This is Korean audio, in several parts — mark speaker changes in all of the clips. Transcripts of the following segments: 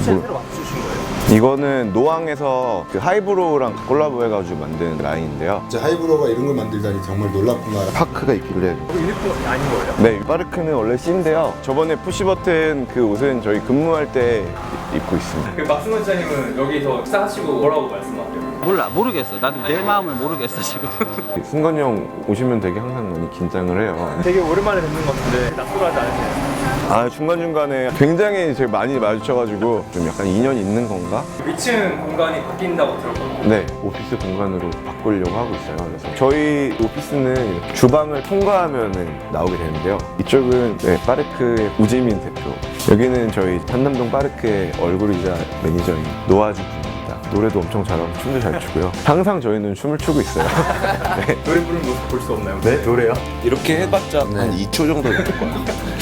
Speaker 1: 디자인 새로 맞추신 거예요?
Speaker 2: 이거는 노왕에서 그 하이브로우랑 콜라보해가지고 만든 라인인데요.
Speaker 3: 진짜 하이브로가 이런 걸 만들다니 정말 놀랍구나.
Speaker 2: 파크가 있길래.
Speaker 1: 이거 유니폼이 아닌 거예요?
Speaker 2: 네, 파르크는 원래 C인데요. 저번에 푸시버튼 그 옷은 저희 근무할 때 입고 있습니다.
Speaker 1: 그 박승원 기자님은 여기서 식사하시고 뭐라고 말씀하세요?
Speaker 4: 몰라, 모르겠어. 나도 내 마음을 모르겠어 지금.
Speaker 2: 승건이 형 오시면 되게 항상 많이 긴장을 해요.
Speaker 1: 되게 오랜만에 뵙는 것 같은데 낯설어하지 않으세요?
Speaker 2: 아, 중간중간에 굉장히 제가 많이 마주쳐가지고 좀 약간 인연이 있는 건가?
Speaker 1: 위층 공간이 바뀐다고 들었거든요.
Speaker 2: 네, 오피스 공간으로 바꾸려고 하고 있어요. 그래서 저희 오피스는 이렇게 주방을 통과하면은 나오게 되는데요. 이쪽은 네, 파르크의 우지민 대표. 여기는 저희 한남동 파르크의 얼굴이자 매니저인 노아주 분입니다. 노래도 엄청 잘하고 춤도 잘 추고요. 항상 저희는 춤을 추고 있어요. 네.
Speaker 1: 노래 부르는 모습 볼 수 없나요?
Speaker 2: 네, 노래요? 이렇게 해봤자 한 2초 정도 될 거예요.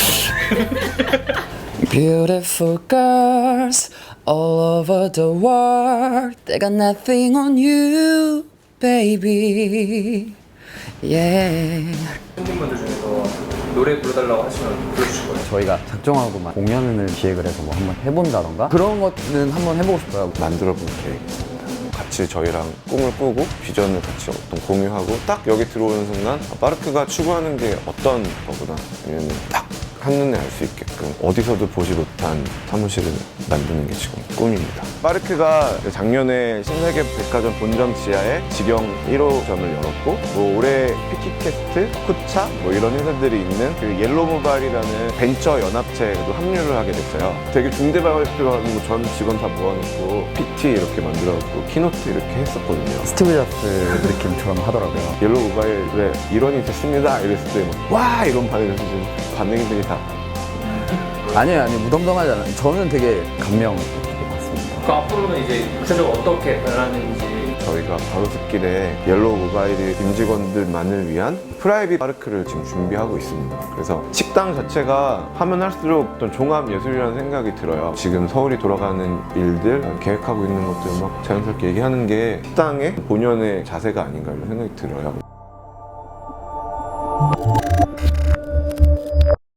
Speaker 5: Beautiful girls all over the world. They got nothing on you, baby. Yeah.
Speaker 1: 팬분들 중에서 노래 불러달라고 하시면 불러주실 거예요?
Speaker 4: 저희가 작정하고 막 공연을 기획을 해서 뭐 한번 해본다던가 그런 것은 한번 해보고 싶어요.
Speaker 2: 만들어볼 계획입니다. 같이 저희랑 꿈을 꾸고 비전을 같이 어떤 공유하고 딱 여기 들어오는 순간 파르크가 추구하는 게 어떤 거구나 아니면 딱 한눈에 알 수 있게끔 어디서도 보지 못한 사무실을 만드는 게 지금 꿈입니다. 파르크가 작년에 신세계 백화점 본점 지하에 직영 1호점을 열었고 뭐 올해 피키캐스트, 쿠차 뭐 이런 회사들이 있는 그 옐로모바일이라는 벤처 연합체에도 합류를 하게 됐어요. 되게 중대발표하고 전 직원 다 모아놓고 PT 이렇게 만들어갖고 키노트 이렇게 했었거든요.
Speaker 4: 스티브 잡스 느낌처럼 하더라고요.
Speaker 2: 옐로우바일의 일원이 됐습니다 이랬을 때 와 이런 반응들이 다
Speaker 4: 아니요, 무덤덤하지 않아요. 저는 되게 감명 깊게 봤습니다.
Speaker 1: 그 앞으로는 이제 구체적으로 어떻게 변하는지
Speaker 2: 저희가 바로숲길에 옐로우 모바일의 임직원들만을 위한 프라이빗 파르크를 지금 준비하고 있습니다. 그래서 식당 자체가 하면 할수록 어떤 종합 예술이라는 생각이 들어요. 지금 서울이 돌아가는 일들, 계획하고 있는 것들 막 자연스럽게 얘기하는 게 식당의 본연의 자세가 아닌가 이런 생각이 들어요.